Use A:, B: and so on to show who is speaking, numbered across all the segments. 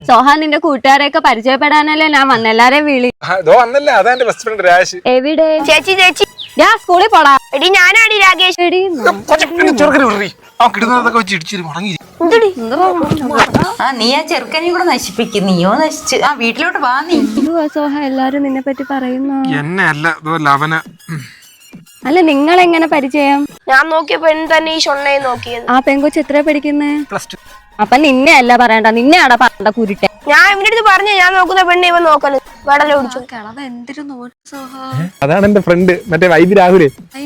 A: സോഹാൻ നിന്റെ കൂട്ടുകാരെയൊക്കെ പരിചയപ്പെടാനല്ലേ ഞാൻ വന്ന എല്ലാരെയും വിളി. എവിടെ
B: ചേച്ചി ചേച്ചി
A: ഞാൻ സ്കൂളിൽ പോടാ.
B: എടി ഞാനാടി രാകേഷ്.
A: എടി
C: നീ ആ ചെറുക്കനെയും കൂടെ നശിപ്പിക്കും. നീയോ നശിച്ച് ആ വീട്ടിലോട്ട് വാ. നീ
A: സോഹ എല്ലാരും നിന്നെ പറ്റി പറയുന്നു.
D: എന്നെ അല്ല
A: അല്ല നിങ്ങളെങ്ങനെ പരിചയം?
B: ഞാൻ നോക്കിയപ്പോ തന്നെ ഈ ഷൊണ്ണയെ നോക്കിയത്.
A: ആ പെങ്കൊച്ച് എത്ര പഠിക്കുന്നേ? അപ്പൊ നിന്നെ അല്ല പറയണ്ട, നിന്നെ ആടാ പറയണ്ട കുരുട്ടെ.
B: ഞാൻ ഇവന്റെ അടുത്ത് പറഞ്ഞു ഞാൻ നോക്കുന്ന പെണ്ണ് ഇവൻ നോക്കല് വെടല ഓടിച്ചു.
D: അതാണ് എന്റെ ഫ്രണ്ട് മറ്റേ വൈബ് രാഹുല്.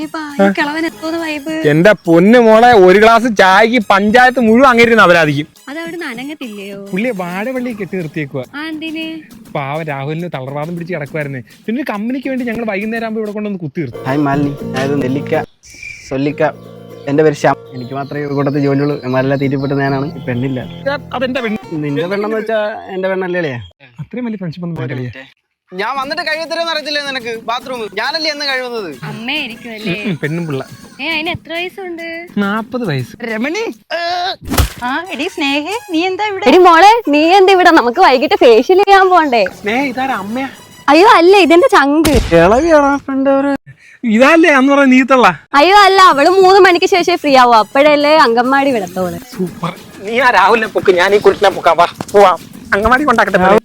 D: എന്റെ പൊന്നു മോളെ ഒരു ഗ്ലാസ് ചായക്ക് പഞ്ചായത്ത് മുഴുവൻ അങ്ങേരുന്ന അപരാധിക്കും.
A: അതവിടെ അനങ്ങത്തില്ലയോ?
D: പുള്ളിയെ വാഴവള്ളി കെട്ടി നിർത്തിയേക്കുക. പാവ രാഹുലിന് തളർവാദം പിടിച്ച് കിടക്കുവായിരുന്നു. പിന്നെ ഒരു കമ്പനിക്ക് വേണ്ടി ഞങ്ങൾ വൈകുന്നേരം ആകുമ്പോൾ ഇവിടെ കൊണ്ടൊന്ന് കുത്തി നിർത്തി.
E: ഹായ് മാലിനി, അതായത് നെല്ലിക്ക സൊല്ലിക്ക. എന്റെ പേര് ശ്യാം. എനിക്ക് മാത്രമേ കൂട്ടത്തിൽ ജോലിയുള്ളൂ. എമാരെല്ലാം തീറ്റിപ്പെട്ട് ഞാനാണ്. പെണ്ണില്ല.
D: അതെന്റെ പെണ്ണ്.
E: നിന്റെ പെണ്ണെന്ന് വെച്ചാ എന്റെ പെണ്ണല്ലേ?
D: അത്രയും വലിയ ഫ്രണ്ട്ഷിപ്പ് ഒന്നും കളിയാ.
E: ഞാൻ വന്നിട്ട് കഴിവത്തരെന്ന് അറിയത്തില്ലേ നിനക്ക്? ബാത്റൂം ഞാനല്ലേ എന്ന് കഴിവുന്നത്.
A: അമ്മയായിരിക്കുമല്ലേ?
D: പെണ്ണും പിള്ള.
A: അതിന് എത്ര വയസ്സുണ്ട്?
D: 40 വയസ്സ്.
E: രമണി
C: ആ എടി സ്നേഹേ, നീ എന്താ ഇവിടെ?
A: എടി മോളെ നീ എന്ത് ഇവിടെ? നമുക്ക് വൈകിട്ട് ഫേഷ്യൽ ചെയ്യാൻ പോണ്ടേ?
D: ഇതാരാ അമ്മയാ?
A: അയ്യോ അല്ല, ഇതെന്റെ ചങ്ക്.
E: ഇളവിയാണോ ഫ്രണ്ട്?
D: ഇതല്ലേ അന്ന് പറഞ്ഞ നീത്തുള്ള?
A: അയ്യോ അല്ല, അവള് 3 മണിക്ക് ശേഷം ഫ്രീ ആവും. അപ്പോഴല്ലേ അങ്കൻവാടി വിടത്തോള്.
D: സൂപ്പർ. നീ ആ രാഹുലിനെ പൊക്ക്, ഞാൻ ഈ കുട്ടിനെ പൊക്കാം. പോവാം, അങ്കൻവാടി കൊണ്ടാക്കട്ടെ.